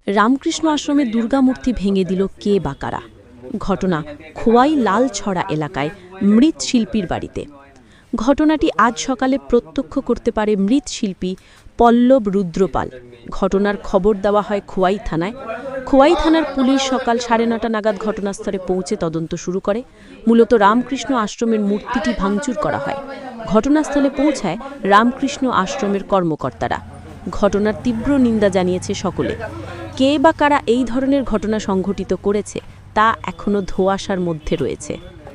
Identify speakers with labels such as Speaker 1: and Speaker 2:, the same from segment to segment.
Speaker 1: রামকৃষ্ণ আশ্রমের দুর্গামূর্তি ভেঙে দিল কে বা কারা। ঘটনা খোয়াই লালছড়া এলাকায় মৃৎ শিল্পীর বাড়িতে। ঘটনাটি আজ সকালে প্রত্যক্ষ করতে পারে মৃৎশিল্পী পল্লব রুদ্রপাল। ঘটনার খবর দেওয়া হয় খোয়াই থানায়। খোয়াই থানার পুলিশ সকাল 9:30 নাগাদ ঘটনাস্থলে পৌঁছে তদন্ত শুরু করে। মূলত রামকৃষ্ণ আশ্রমের মূর্তিটি ভাঙচুর করা হয়। ঘটনাস্থলে পৌঁছায় রামকৃষ্ণ আশ্রমের কর্মকর্তারা। ঘটনার তীব্র নিন্দা জানিয়েছে সকলে। কে বা কারা এই ধরনের ঘটনা সংঘটিত করেছে তা এখনো ধোঁয়াশার মধ্যে রয়েছে।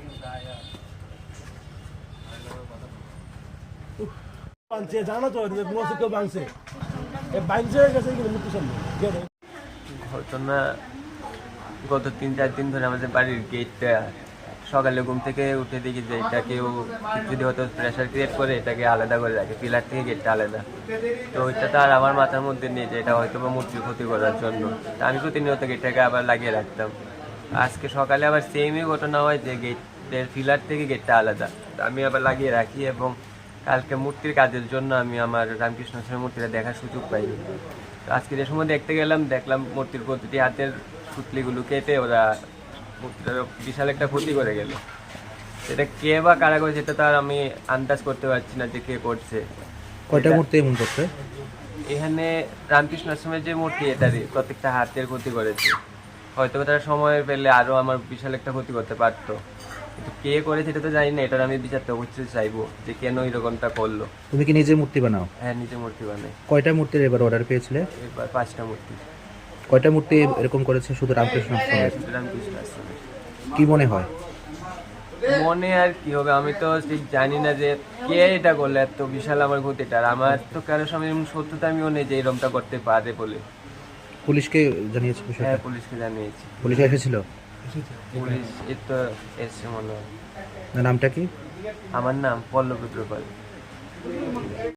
Speaker 2: ঘটনা গত 3-4 দিন ধরে আমাদের বাড়ির গেটটা সকালে ঘুম থেকে উঠে দেখি যে এটা কেউ যদি হয়তো প্রেশার ক্রিয়েট করে এটাকে আলাদা করে রাখে, পিলার থেকে গেটটা আলাদা। তো ওইটা তো আর আমার মাথার মধ্যে নেই যে এটা হয়তো বা মূর্তির ক্ষতি করার জন্য। তা আমি প্রতিনিয়ত গেটটাকে আবার লাগিয়ে রাখতাম। আজকে সকালে আবার সেমই ঘটনা হয় যে গেটের পিলার থেকে গেটটা আলাদা, আমি আবার লাগিয়ে রাখি। এবং কালকে মূর্তির কাজের জন্য আমি আমার রামকৃষ্ণ আশ্রমের মূর্তিটা দেখার সুযোগ পাইনি। আজকে যে সময় দেখতে গেলাম, দেখলাম মূর্তির প্রতিটি হাতের পুতলিগুলো কেটে ওরা মূর্তিটার বিশাল একটা ক্ষতি করে গেল। সেটা কে বা কারা করে সেটা তো আর আমি আন্দাজ করতে পারছি না যে কে করছে।
Speaker 3: কয়টা মূর্তি এমন করছে?
Speaker 2: এখানে রামকৃষ্ণ আশ্রমের যে মূর্তি এটারই প্রত্যেকটা হাতের ক্ষতি করেছে। হয়তো তারা সময় পেলে আরও আমার বিশাল একটা ক্ষতি করতে পারতো, কিন্তু কে করেছে এটা তো জানি না। এটার আমি বিচারটা অবশ্যই চাইবো যে কেন এরকমটা করলো।
Speaker 3: তুমি কি নিজে মূর্তি বানাও?
Speaker 2: হ্যাঁ, নিজে মূর্তি বানাই।
Speaker 3: কয়টা মূর্তির এবার অর্ডার পেয়েছিলে?
Speaker 2: এবার 5টা মূর্তি।
Speaker 3: কয়টা মূর্তি এরকম করেছে শুধু রামকৃষ্ণ আশ্রমে?
Speaker 2: রামকৃষ্ণ আশ্রমে।
Speaker 3: কি মনে হয়?
Speaker 2: মনে আর কি হবে, আমি তো ঠিক জানি না যে কে এটা করলে এত বিশাল আমার ক্ষতিটা। আমার তো কারোর সঙ্গে এমন শত্রুতা আমিও নেই যে এরকমটা করতে পারে বলে।
Speaker 3: পুলিশকে জানিয়েছে বিষয়টা?
Speaker 2: হ্যাঁ, পুলিশকে জানিয়েছি।
Speaker 3: পুলিশ এসেছিল?
Speaker 2: পুলিশ এই তো এসছে মনে হয়।
Speaker 3: নামটা কি?
Speaker 2: আমার নাম পল্লব রুদ্রপাল।